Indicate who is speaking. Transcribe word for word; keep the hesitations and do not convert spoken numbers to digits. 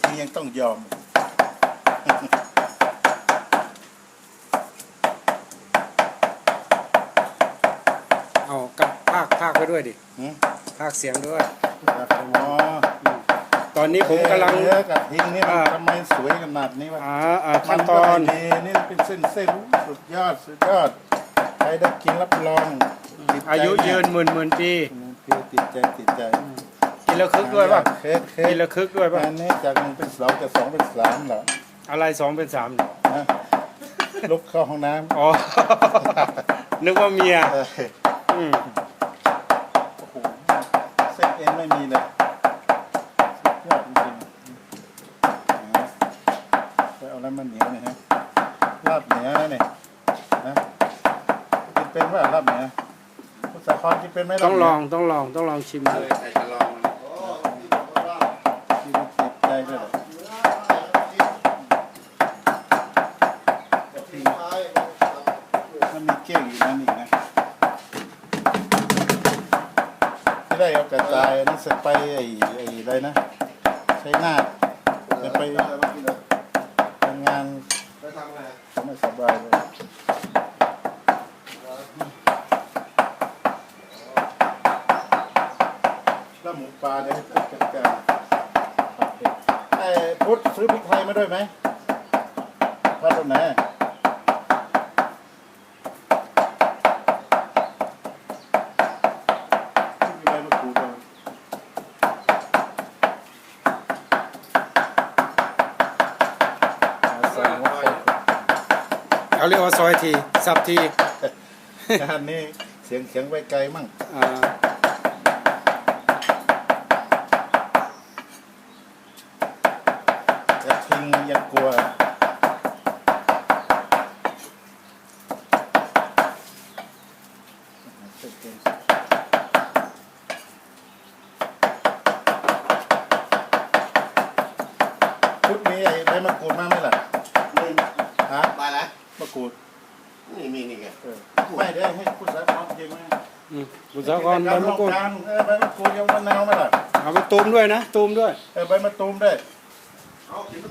Speaker 1: นี้ยังต้องยอม
Speaker 2: เอากับภาคภาคไปด้วยดิภาคเสียงด้วยตอนนี้ผมกำลัง
Speaker 1: เนื้อกับทิ้งนี่มันทำไมสวยขนาดนี้วะ
Speaker 2: อ่าอ่าขั้นตอน
Speaker 1: นี่นี่เป็นเส้นเส้นสุดยอดสุดยอดใครได้กินรับรอง
Speaker 2: อายุยืนหมื่นหมื่นปี
Speaker 1: ติดใจติดใจ
Speaker 2: กินแล้วคึกด้วยป่ะกินแล้วคึกด้วยป่ะ
Speaker 1: อันนี้จากหนึ่งเป็นสองจากสองเป็นสามเหรอ
Speaker 2: อะไรสองเป็นสาม
Speaker 1: นะลุกเข้าห้องน้ำ
Speaker 2: อ๋อนึกว่าเมีย
Speaker 1: อืมโอ้โหเส้นเอ็นไม่มีเลยยอดจริงๆไปเอาแล้วมันเหนียวเนี่ยฮะลาบเหนียวนะเนี่ยนะกินเป็นว่าลาบเหนียวคุณสาครกินเป็นไหม
Speaker 2: ต้องลองต้องลองต้องลองชิม
Speaker 3: เลยใครจะลอง
Speaker 1: กินติดใจด้วยมันมีเกี้ยวอยู่นั่นอีกนะที่ได้เอากระจายนั่นเสร็จไปไอ้ไอ้อะไรนะใช้หน้าจะไปทำงานไม่สบายเลยแล้วหมูปลาเนี่ยพุทธกันกันไอ้พุทธซื้อพริกไทยมาด้วยไหมพัดตรงไหนมีใบมะกรูดด้วย
Speaker 2: เขาเรียกว่าซอยทีสับที
Speaker 1: งานนี้เสียงเสียงไปไกลมั่งกระทิงยังกลัวพุทธมีไอ้ใบมะกรูดมาไหมล่ะ
Speaker 3: มี
Speaker 1: ฮะ
Speaker 3: ไปแล้ว
Speaker 1: มะกรูด
Speaker 3: นี่มีนี่ไง
Speaker 1: ไม่ได้ให้คุณสาครจริงไหม
Speaker 2: คุณสาครใบมะกรูด
Speaker 1: ใบมะกรูดยังมะนาวไหมล่ะ
Speaker 2: เอาไปตูมด้วยนะตูมด้วย
Speaker 1: เออใบมะตูมด้วย
Speaker 3: เอากินมะ